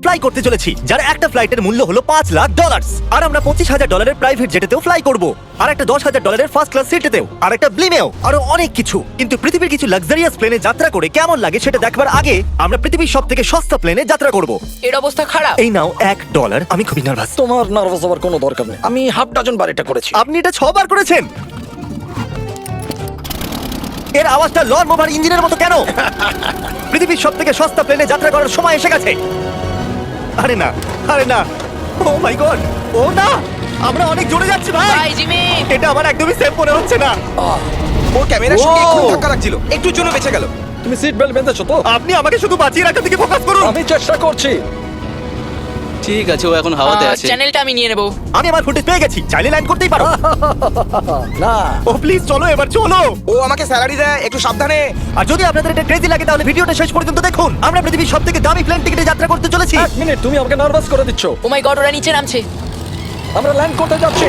Fly করতে চলেছি, যার একটা ফ্লাইটের মূল্য হলো $5,00,000। আর আমরা $25,000 প্রাইভেট জেটেতেও ফ্লাই করব, আর একটা $10,000 ফার্স্ট ক্লাস সিটেতেও, আর একটা ব্লিমেও, আরো অনেক কিছু। কিন্তু পৃথিবীর কিছু লাক্সারিয়াস প্লেনে যাত্রা করে কেমন লাগে সেটা দেখবার আগে আমরা পৃথিবীর সবথেকে সস্তা প্লেনে যাত্রা করব। এর অবস্থা খারাপ। এই নাও $1। আমি খুবই নার্ভাস। তোমার নার্ভাস হওয়ার কোনো দরকার নেই, আমি হাফ ডজন বার এটা করেছি। আপনি এটা 6 বার করেছেন। এর আওয়াজটা লন মোভার ইঞ্জিনের মতো কেন? পৃথিবীর সবথেকে সস্তা প্লেনে যাত্রা করার সময় এসে গেছে। আরে না, আরে না, ও মাই গড, ও না, আমরা অনেক জোরে যাচ্ছি ভাই। Bye Jimmy. এটা আমার একদমই সেফ মনে হচ্ছে না। ওর ক্যামেরার সঙ্গে একটু ধাক্কা লাগছিল, একটুর জন্য বেঁচে গেল। তুমি সিট বেল্ট বেঁধেছো তো? আপনি আমাকে শুধু বাঁচিয়ে রাখার দিকে ফোকাস করুন। আমি চেষ্টা করছি। ঠিক আছে, ও এখন হাওয়াতে আছে। চ্যানেলটা আমি নিয়ে নেব। আমি আমার ফুটেজ পেয়ে গেছি, চাইলে ল্যান্ড করতেই পারো। না, ও প্লিজ চলো, এবার চলো। ও আমাকে স্যালারি দেয়, একটু সাবধানে। আর যদি আপনাদের এটা ক্রেজি লাগে তাহলে ভিডিওটা শেষ পর্যন্ত দেখুন। আমরা পৃথিবীর সবথেকে দামি প্লেন টিকেটে যাত্রা করতে চলেছি। এক মিনিট, তুমি আমাকে নার্ভাস করে দিচ্ছ। ও মাই গড, ওরা নিচে নামছে। আমরা ল্যান্ড করতে যাচ্ছি।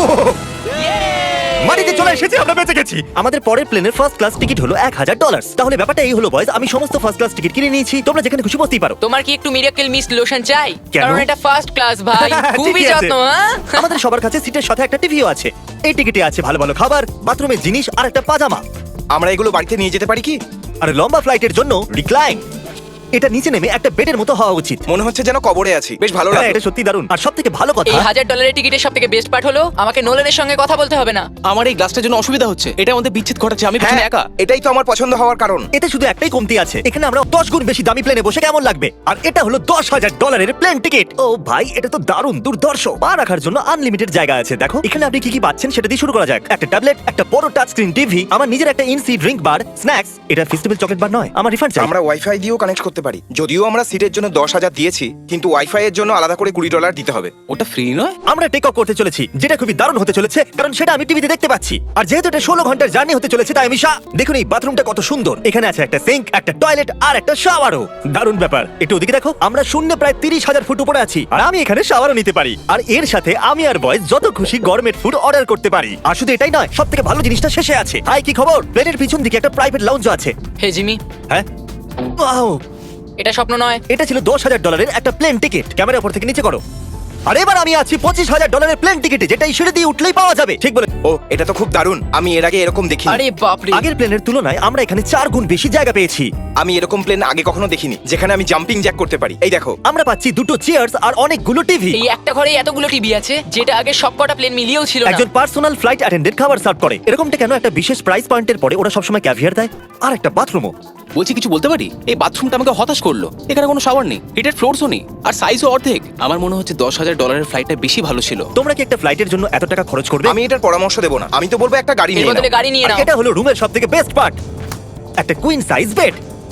মাটিতে চলে এসেছি, আমরা বেঁচে গেছি। আমাদের পরের প্লেনের ফার্স্ট ক্লাস টিকিট হলো $1,000। তাহলে ব্যাপারটা এই হলো বয়স, আমি সমস্ত ফার্স্ট ক্লাস টিকিট কিনে নিয়েছি, তোমরা যেখানে খুশি বসতেই পারো। তোমার কি একটু মিরাকেল মিস্ট লোশন চাই? কেন? কারণ এটা ফার্স্ট ক্লাস ভাই, খুবই ঠিকই আছে। যত্ন। হ্যাঁ আমাদের সবার কাছে সিটের সাথে একটা টিভিও আছে। এই টিকিটে আছে ভালো ভালো খাবার, বাথরুমের জিনিস আর একটা পাজামা। আমরা এগুলো বাড়িতে নিয়ে যেতে পারি কি? আর লম্বা ফ্লাইটের জন্য রিক্লাইন। এটা নিচে নেমে একটা বেডের মতো হওয়া উচিত। মনে হচ্ছে যেন কবরে আছি, বেশ ভালো হ্যাঁ, লাগে। এটা সত্যি দারুণ। আর সবথেকে ভালো কথা, এই $1,000 টিকিটের সবথেকে বেস্ট পার্ট হলো আমাকে নোলেনের সঙ্গে কথা বলতে হবে না। আমার এই গ্লাসটার জন্য অসুবিধা হচ্ছে, এটা আমাদের বিচ্ছেদ ঘটাচ্ছে। আমি পিছনে হ্যাঁ, একা। এটাই তো আমার পছন্দ হওয়ার কারণ। এতে শুধু একটাই কমতি আছে, এখানে আমরা 10 গুণ বেশি দামি প্লেনে বসে কেমন লাগবে। আর এটা হলো $10,000 প্লেন টিকিট। ও ভাই, এটা তো দারুণ দুর্ধর্ষ। পা রাখার জন্য আনলিমিটেড জায়গা আছে। দেখো এখানে আপনি কি কি পাচ্ছেন সেটা দিয়ে শুরু করা যাক। একটা ট্যাবলেট, একটা বড় টাচ স্ক্রিন টিভি, আমার নিজের একটা ইনসি ড্রিঙ্ক বার, স্ন্যাক্স। এটা ফেস্টিভ্যাল চকলেট বার নয়, আমার রিফান্ড চাই। আমরা ওয়াইফাই দিয়েও কানেক্ট করতে পারি। যদিও আমরা সিটের জন্য 10,000 দিয়েছি, কিন্তু ওয়াইফাই এর জন্য আলাদা করে $20 দিতে হবে। ওটা ফ্রি নয়? আমরা টেক অফ করতে চলেছি, যেটা খুবই দারুণ হতে চলেছে, কারণ সেটা আমি টিভিতে দেখতে পাচ্ছি। আর যেহেতু এটা 16 ঘন্টার জার্নি হতে চলেছে, তাই আমি দেখুন এই বাথরুমটা কত সুন্দর। এখানে আছে একটা সিঙ্ক, একটা টয়লেট আর একটা শাওয়ারও। দারুণ ব্যাপার। একটু ওদিকে দেখো, আমরা শূন্য প্রায় 30,000 ফুট উপরে আছি, আর আমি এখানে শাওয়ারও নিতে পারি। আর এর সাথে আমি আর বয়েজ যত খুশি গরমের ফুড অর্ডার করতে পারি। আর শুধু এটাই নয়, সব থেকে ভালো জিনিসটা শেষে আছে। হাই, কি খবর? প্লেনের পিছন দিকে একটা প্রাইভেট লাউঞ্জ আছে। হে জিমি, হ্যাঁ, ওয়াও, এটা স্বপ্ন নয়। এটা ছিল $10,000 একটা প্লেন টিকিট। ক্যামেরা উপর থেকে নিচে করো। আর এবার আমি আছি $25,000 প্লেন টিকিটে, যেটা এই সিঁড়ি দিয়ে উঠলেই পাওয়া যাবে। ঠিক বলে। ও, এটা তো খুব দারুণ। আমি এর আগে এরকম দেখিনি। আরে বাপরে। আগের প্লেনের তুলনায় আমরা এখানে 4 গুণ বেশি জায়গা পেয়েছি। আমি এরকম প্লেন আগে কখনো দেখিনি যেখানে আমি জাম্পিং জ্যাক করতে পারি। এই দেখো, আমরা পাচ্ছি 2টো চেয়ার্স আর অনেকগুলো টিভি। এই একটা ঘরে এতগুলো টিভি আছে, যেটা আগে সবকটা প্লেন মিলিয়েও ছিল না। একজন পার্সোনাল ফ্লাইট অ্যাটেন্ডেন্ট খাবার সার্ভ করে। এরকমটা কেন? একটা বিশেষ প্রাইস পয়েন্টের পরে ওরা সবসময় ক্যাভিয়ার দেয়। আর একটা বাথরুমও। বলছি, কিছু বলতে পারি? এই বাথরুমটা আমাকে হতাশ করলো। এখানে কোনো শাওয়ার নেই, হিটেড ফ্লোরসও নেই, আর সাইজও অর্ধেক। আমার মনে হচ্ছে $10,000 ফ্লাইটটা বেশি ভালো ছিল। তোমরা কি একটা ফ্লাইটের জন্য এত টাকা খরচ করবে? আমি এটার পরামর্শ দেবো না। আমি তো বলবো একটা গাড়ি এর নিয়ে বদলে নাও। গাড়ি নিয়ে আর নাও। এটা হলো রুমের সবথেকে বেস্ট পার্ট, একটা কুইন সাইজ বেড।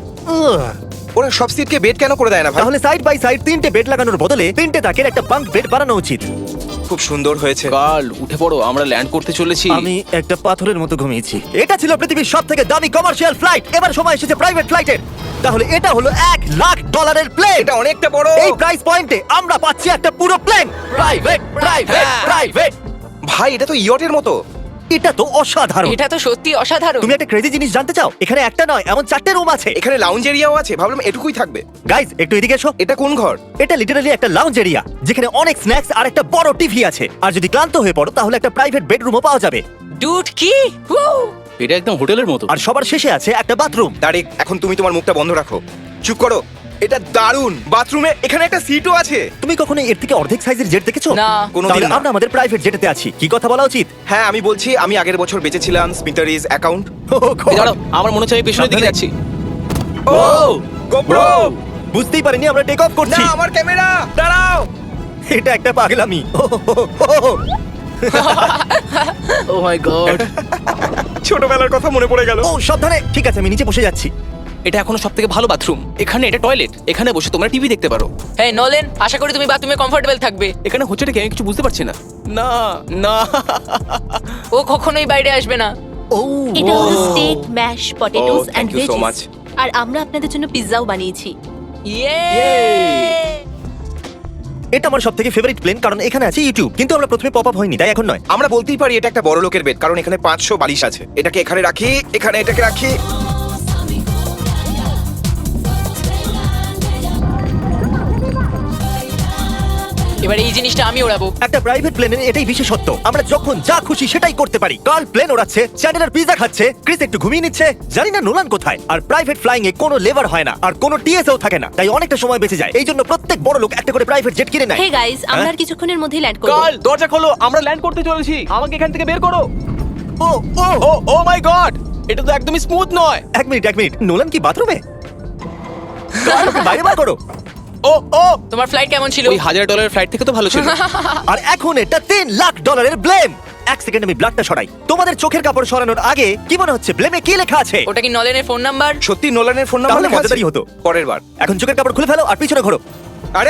ওরা সব সিটকে বেড কেন করে দেয় না ভাই? তাহলে সাইড বাই সাইড 3টে বেড লাগানোর বদলে 3টে তাকের একটা বাঙ্ক বেড বানানো উচিত। খুব সুন্দর হয়েছে। কাল উঠে পড়ো, আমরা ল্যান্ড করতে চলেছি। আমি একটা পাথরের মতো ঘুমিয়েছি। এটা ছিল পৃথিবীর সবথেকে দামি কমার্শিয়াল ফ্লাইট। এবার সময় এসেছে প্রাইভেট ফ্লাইটের। তাহলে এটা হলো $1,00,000 প্লেন। এটা অনেকটা বড়। এই প্রাইস পয়েন্টে আমরা পাচ্ছি একটা পুরো প্লেন। Private, private, private. ভাই, এটা তো ইয়টের মতো। এটা তো অসাধারণ। এটা তো সত্যি অসাধারণ। তুমি একটা ক্রেজি জিনিস জানতে চাও? এখানে একটা নয়, এমন 4টে রুম আছে। এখানে লাউঞ্জ এরিয়াও আছে। ভাবলাম এটুকুই থাকবে। গাইজ, একটু এদিকে এসো। এটা কোন ঘর? এটা লিটারালি একটা লাউঞ্জ এরিয়া, যেখানে অনেক স্ন্যাক্স আর একটা বড় টিভি আছে। আর যদি ক্লান্ত হয়ে পড়ো তাহলে একটা প্রাইভেট বেডরুমও পাওয়া যাবে। ডুড কি? Woo! এটা একদম হোটেলের মতো। আর সবার শেষে আছে একটা বাথরুম। তারিক, এখন তুমি তোমার মুখটা বন্ধ রাখো। চুপ করো। এটা দারুণ। বাথরুমে এখানে একটা সিটও আছে। তুমি কখনো এর থেকে অর্ধেক সাইজের জেট দেখেছো? না। কোনোদিন তাহলে না। আমরা আমাদের প্রাইভেট জেটেতে আছি। কি কথা বলা উচিত? হ্যাঁ, আমি বলছি, আমি আগের বছর বেঁচেছিলাম স্মিটারিজ অ্যাকাউন্ট। এই দাঁড়াও, আমার মনে হচ্ছে আমি পেছনের দিকে সাবধানে। যাচ্ছি। Oh GoPro! বুঝতেই পারিনি আমরা টেক অফ না, করছি। আমার ক্যামেরা! দাঁড়াও। এটা একটা পাগলামি। Oh my God. ছোটবেলার কথা মনে পড়ে গেল। ও সাবধানে। ঠিক আছে, আমি নিচে বসে যাচ্ছি। এটা এখনো সবথেকে ভালো বাথরুম। এখানে এটা টয়লেট, এখানে বসে তোমরা টিভি দেখতে পারো। হ্যাঁ নোলেন, আশা করি তুমি বাথরুমে কমফোর্টেবল থাকবে। এখানে হচ্ছেটা কি আমি কিছু বুঝতে পারছি না। না না। ও কখনোই বাইরে আসবে না। ও এটা হলো steak, mash potatoes Oh, and thank you so much. Veggies. আর আমরা আপনাদের জন্য পিৎজাও বানিয়েছি। ইয়ে! এটা আমার সবথেকে ফেভারিট প্লেন, কারণ এখানে আছে ইউটিউব। কিন্তু আমরা প্রথমে পপ আপ হয়নি, তাই এখন নয়। আমরা বলতেই পারি এটা একটা বড় লোকের বেড, কারণ এখানে 500 বালিশ আছে। এটাকে এখানে রাখি, এখানে এটাকে রাখি। এবার এই জিনিসটা আমি ওড়াবো। একটা প্রাইভেট প্লেনের এটাই বিশেষত্ব, আমরা যখন যা খুশি সেটাই করতে পারি। কার্ল প্লেন ওড়াচ্ছে, চ্যান্ডেলার পিজা খাচ্ছে, ক্রিস একটু ঘুমিয়ে নিচ্ছে, জানি না নোলান কোথায়। আর প্রাইভেট ফ্লাইং এ কোনো লেবার হয় না আর কোনো টিএসও থাকে না, তাই অনেকটা সময় বেঁচে যায়। এই জন্য প্রত্যেক বড় লোক একটা করে প্রাইভেট জেট কিনে নেয়। হে গাইস, আমরা আর কিছুক্ষণের মধ্যেই ল্যান্ড করব। কাল দরজা খোলো, আমরা ল্যান্ড করতে চলেছি, আমাকে এখান থেকে বের করো। ও ও ও ও মাই গড, এটা তো একদমই স্মুথ নয়। এক মিনিট, নোলান কি বাথরুমে? বাইরে বার করো। ও ও, তোমার ফ্লাইট কেমন ছিল? ওই $1000 ফ্লাইট থেকে তো ভালো ছিল। আর এখন এটা $3 লাখ ব্লেম। এক সেকেন্ড আমি ব্লাডটা সরাই। তোমাদের চোখের কাপড় সরানোর আগে কি মনে হচ্ছে ব্লেমে কি লেখা আছে? ওটা কি নলেনের ফোন নাম্বার? সত্যি নোলানের ফোন নাম্বার তাহলে লেখা আছে? মজাদারই হতো। পরের বার। এখন চোখের কাপড় খুলে ফেলো আর পিছনে ঘোরো। আরে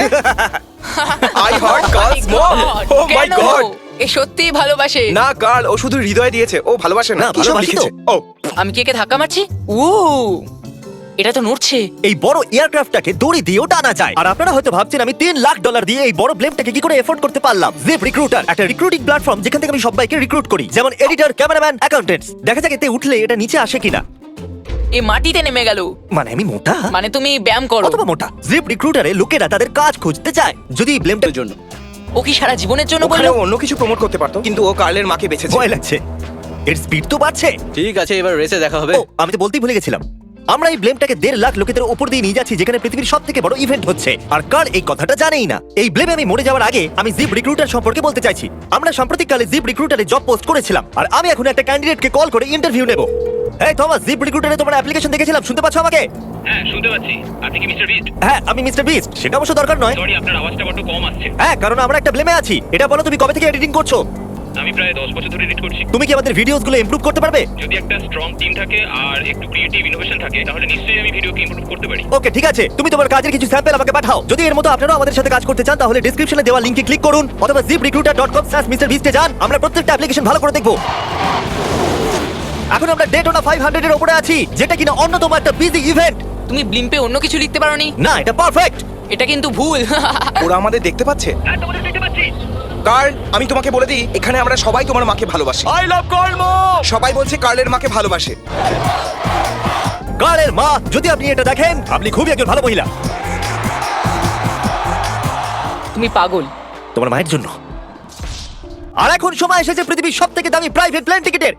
I hurt girls more. Oh my কেন? গড। এ সত্যিই ভালোবাসে। না গার্ল, ও শুধু হৃদয় দিয়েছে, ও ভালোবাসে না। না, কি সব ভালোবাসি লিখেছে? তো। ও আমি কি একে ধাক্কা মারছি? ও, এটা তো নড়ছে। এই বড় এয়ারক্রাফটটাকে দড়ি দিয়েও টানা যায়। আর আপনারা হয়তো ভাবছেন আমি $3 লাখ দিয়ে এই বড় ব্লেমটাকে কি করে এফোর্ড করতে পারলাম। জিপ রিক্রুটার একটা রিক্রুটিং প্ল্যাটফর্ম যেখান থেকে আমি সবাইকে রিক্রুট করি, যেমন এডিটর, ক্যামেরাম্যান, অ্যাকাউন্টেন্টস। দেখা যাক এতে উঠলে এটা নিচে আসে কিনা। এ মাটিতে নেমে গেল। মানে আমি মোটা? মানে তুমি ব্যায়াম করো। অথবা মোটা। জিপ রিক্রুটারে লোকেরা তাদের কাজ খুঁজতে চায়। যদি এই ব্লেমটার জন্য ও কি সারা জীবনের জন্য ওখানে বললো? ও অন্য কিছু প্রমোট করতে পারতো, কিন্তু ও কার্লের মাকে বেঁচেছে। ভয় লাগছে। এর স্পিড তো বাড়ছে। ঠিক আছে, এবার রেসে দেখা হবে। ও, আমি তো বলতেই ভুলে গেছিলাম। আমরা এই ব্লেমটাকে 1.5 লাখ লোকেদের উপর দিয়ে নিয়ে যাচ্ছি, যেখানে পৃথিবীর সব থেকে বড় ইভেন্ট হচ্ছে। আর কার এই কথাটা জানেই না। এই ব্লেমে আমি মরে যাওয়ার আগে আমি জিপ রিক্রুটার সম্পর্কে বলতে চাইছি। আমরা সাম্প্রতিককালে জিপ রিক্রুটারে জব পোস্ট করেছিলাম, আর আমি এখন একটা ক্যান্ডিডেটকে কল করে ইন্টারভিউ নেব। এই থমাস, জিপ রিক্রুটারে তোমার অ্যাপ্লিকেশন দেখেছিলাম, শুনতে পাচ্ছ আমাকে? হ্যাঁ শুনতে পাচ্ছি। আপনি কি মিস্টার বিস্ট? হ্যাঁ, আমি মিস্টার বিস্ট। সেটা অবশ্য দরকার নয়। সরি, আপনার আওয়াজটা বড্ড কম আসছে। হ্যাঁ, কারণ আমরা একটা ব্লেমে আছি। এটা বলো, তুমি কবে থেকে এডিটিং করছো? আমি প্রায় 10 বছর ধরে এডিট করছি। তুমি কি আমাদের ভিডিওসগুলো ইমপ্রুভ করতে পারবে? যদি একটা স্ট্রং টিম থাকে আর একটু ক্রিয়েটিভ ইনোভেশন থাকে, তাহলে নিশ্চয়ই আমি ভিডিওকে ইমপ্রুভ করতে পারি। ওকে, ঠিক আছে। তুমি তোমার কাজের কিছু স্যাম্পল আমাকে পাঠাও। যদি এর মতো আপনারাও আমাদের সাথে কাজ করতে চান, তাহলে ডেসক্রিপশনে দেওয়া লিংকে ক্লিক করুন অথবা ziprecruiter.com/mrbeast এ যান। আমরা প্রত্যেকটা অ্যাপ্লিকেশন ভালো করে দেখব। এখন আমরা ডেটোনা 500 এর উপরে আছি, যেটা কিনা অন্যতম একটা বিজি ইভেন্ট। তুমি ব্লিম্পে অন্য কিছু লিখতে পারোনি? না, এটা পারফেক্ট। এটা কিন্তু ভুল। ওরা আমাদের দেখতে পাচ্ছে। হ্যাঁ, তোমাদের দেখতে পাচ্ছি। কার্ল, আমি তোমাকে বলে দিই, এখানে আমরা সবাই তোমার মাকে ভালোবাসি। আই লাভ কর্মো। সবাই বলছে কার্লের মাকে ভালোবাসে। কারের মা, যদি আপনি এটা দেখেন, আপনি খুবই একজন ভালো মহিলা। তুমি পাগল। তোমার মায়ের জন্য। আর এখন সময় এসেছে পৃথিবীর সবথেকে দামি প্রাইভেট প্লেন টিকেটের।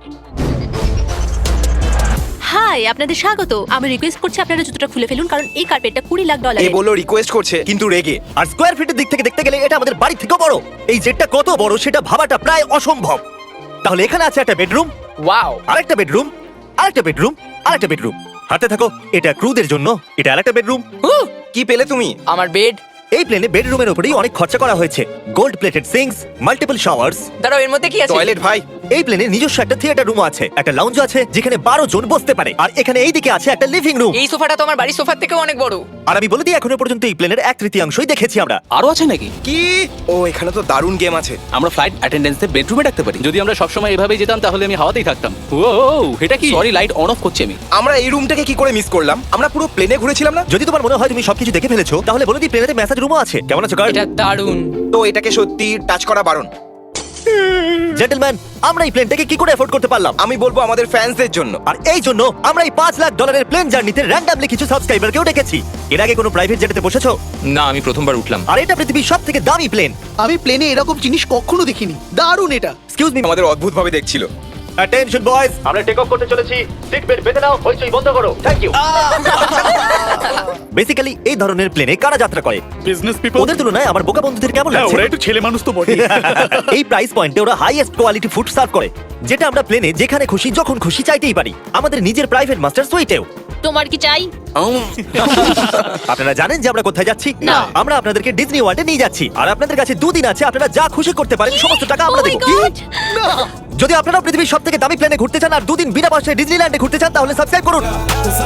হাই, আপনাদের স্বাগত। আমি রিকোয়েস্ট করছি আপনারা জুতোটা খুলে ফেলুন, কারণ এই কার্পেটটা $20 লাখ। এ বললো রিকোয়েস্ট করছে, কিন্তু রেগে। আর স্কোয়ার ফিটের দিক থেকে দেখতে গেলে এটা আমাদের বাড়ি থেকেও বড়। এই জেটটা কত বড় সেটা ভাবাটা প্রায় অসম্ভব। তাহলে এখানে আছে একটা বেডরুম, ওয়াও। আরেকটা বেডরুম, আরেকটা বেডরুম, আরেকটা বেডরুম। হাতে থাকো, এটা ক্রুদের জন্য, এটা আরেকটা বেডরুম। কি পেলে তুমি? আমার বেড। এই প্লেনে বেডরুমের উপরেই অনেক খরচা করা হয়েছে। Gold plated sinks, multiple showers. দাঁড়াও, এর মধ্যে কি আছে? টয়লেট ভাই। এই প্লেনে নিজস্ব একটা থিয়েটার রুম আছে, একটা লাউঞ্জ আছে যেখানে 12 জন বসতে পারে। আর এখানে এইদিকে আছে একটা লিভিং রুম। এই সোফাটা তো আমার বাড়ির সোফার থেকেও অনেক বড়। আর আমি বলে দিই, এখনো পর্যন্ত এই প্লেনের 1/3 দেখেছি আমরা। আরো আছে নাকি? কি? ও, এখানে তো দারুণ গেম আছে। আমরা ফ্লাইট অ্যাটেন্ডেন্সে বেডরুমে রাখতে পারি। যদি আমরা সবসময় এভাবেই যেতাম তাহলে আমি হাওয়াতেই থাকতাম। ও এটা কি? সরি, লাইট অন অফ করছি আমি। আমরা এই রুমটাকে কি করে মিস করলাম? আমরা পুরো প্লেনে ঘুরেছিলাম না? যদি তোমার মনে হয় তুমি সবকিছু দেখে ফেলেছো, তাহলে বলে দিই প্লেনেতে ম্যাসাজ রুমও আছে। কেমন আছো গার্ড? এটা দারুণ। তো এটাকে সত্যি টাচ করা বারণ। জেন্টলম্যান, আমরা এই প্লেনটাকে কি করে এফোর্ড করতে পারলাম? আমি বলবো আমাদের ফ্যান্সদের জন্য। আর এই জন্য আমরা এই $5 লাখ প্লেন জার্নিতে র্যান্ডমলি কিছু সাবস্ক্রাইবারকেও ডেকেছি। এর আগে কোনো প্রাইভেট জেটেতে বসেছো? না, আমি প্রথমবার উঠলাম। আর এটা পৃথিবীর সবথেকে দামি প্লেন। আমি প্লেনে এরকম জিনিস কখনো দেখিনি। দারুণ এটা। এক্সকিউজ মি, আমাদের অদ্ভুত ভাবে দেখছিল। অ্যাটেনশন বয়েজ, আমরা টেক অফ করতে চলেছি। সিট বেল্ট বেঁধে নাও, হইচই বন্ধ করো। Thank you. বেসিক্যালি এই ধরনের প্লেনে কারা যাত্রা করে? Business people. ওদের তুলনায় আমার বোকা বন্ধুদের কেমন হ্যাঁ, লাগছে? ওরা একটু ছেলে মানুষ তো বটে। এই প্রাইস পয়েন্টে ওরা হাইয়েস্ট কোয়ালিটি ফুড সার্ভ করে, যেটা আমরা প্লেনে যেখানে খুশি যখন খুশি চাইতেই পারি। আমাদের নিজের প্রাইভেট মাস্টার সুইটেও। তোমার কি চাই? আপনারা জানেন যে আমরা কোথায় যাচ্ছি? না। আমরা আপনাদেরকে ডিজনি ওয়ার্ল্ডে নিয়ে যাচ্ছি। আর আপনাদের কাছে 2 দিন আছে, আপনারা যা খুশি করতে পারেন, সমস্ত টাকা আমরা Oh my দেব। God! যদি আপনারা পৃথিবীর সবথেকে দামি প্লেনে ঘুরতে চান আর 2 দিন বিনা পয়সায় ডিজনিল্যান্ডে ঘুরতে চান, তাহলে সাবস্ক্রাইব করুন।